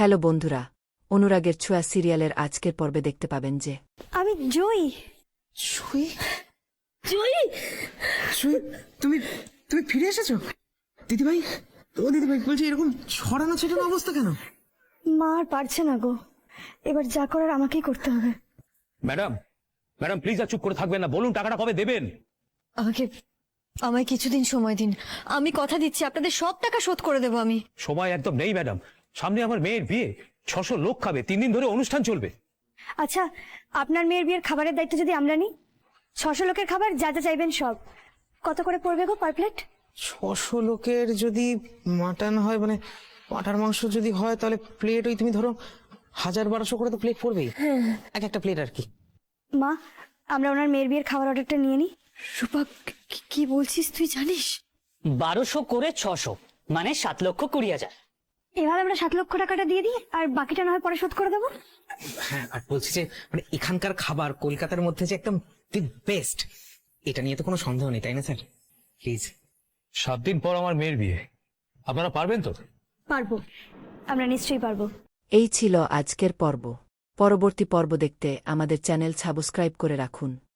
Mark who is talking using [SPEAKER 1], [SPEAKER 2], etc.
[SPEAKER 1] Hello বন্ধুরা, অনুরাগের ছোঁয়া সিরিয়ালের আজকের পর্বে দেখতে পাবেন যে
[SPEAKER 2] আমি জয়ী।
[SPEAKER 3] সুই
[SPEAKER 2] জয়ী,
[SPEAKER 3] সুই তুমি তুমি ফিরে এসেছো দিদিভাই। ও দিদিভাই বলছি, এরকম ছড়ানো ছেটানো অবস্থা কেন?
[SPEAKER 2] মা আর পারছে না গো, এবার যা করার আমাকেই করতে হবে।
[SPEAKER 4] ম্যাডাম ম্যাডাম প্লিজ আর চুপ করে থাকবেন না, বলুন টাকাটা কবে দেবেন?
[SPEAKER 5] আমায় কিছুদিন সময় দিন, আমি কথা দিচ্ছি আপনাদের সব টাকা শোধ করে দেবো আমি।
[SPEAKER 4] সময় একদম নেই ম্যাডাম, সামনে আমার মেয়ের বিয়ে, 600 লোক খাবে, 3 দিন ধরে অনুষ্ঠান চলবে।
[SPEAKER 2] আচ্ছা, আপনার মেয়ের বিয়ের খাবারের দায়িত্ব যদি আমরা নিই, 600 লোকের খাবার যা যা চাইবেন সব, কত করে পড়বে গো পার প্লেট?
[SPEAKER 3] 600 লোকের যদি মাটন হয়, মানে পাঁঠার মাংস যদি হয়, তাহলে প্লেট ওই তুমি ধরো 1000-1200 করে তো প্লেট পড়বেই, এক একটা প্লেট আর কি।
[SPEAKER 2] মা, আমরা ওনার মেয়ের বিয়ের খাবার অর্ডারটা নিয়ে নিই।
[SPEAKER 5] রূপা, কি বলছিস তুই জানিস?
[SPEAKER 6] 1200 করে 600 মানে 7,20,000।
[SPEAKER 2] এবার আমরা 7 লক্ষ টাকাটা দিয়ে দিই, আর বাকিটা না হয় পরে শোধ করে দেবো।
[SPEAKER 3] হ্যাঁ, আর বলছি যে মানে এখানকার খাবার কলকাতার মধ্যে যে একদম দি বেস্ট, এটা নিয়ে তো কোনো সন্দেহ নেই, তাই না স্যার? প্লিজ।
[SPEAKER 4] 7 দিন পর আমার মেয়ের বিয়ে, আপনারা পারবেন তো?
[SPEAKER 2] পারবো, আমরা নিশ্চয়ই পারবো।
[SPEAKER 1] এই ছিল আজকের পর্ব। পরবর্তী পর্ব দেখতে আমাদের চ্যানেল সাবস্ক্রাইব করে রাখুন।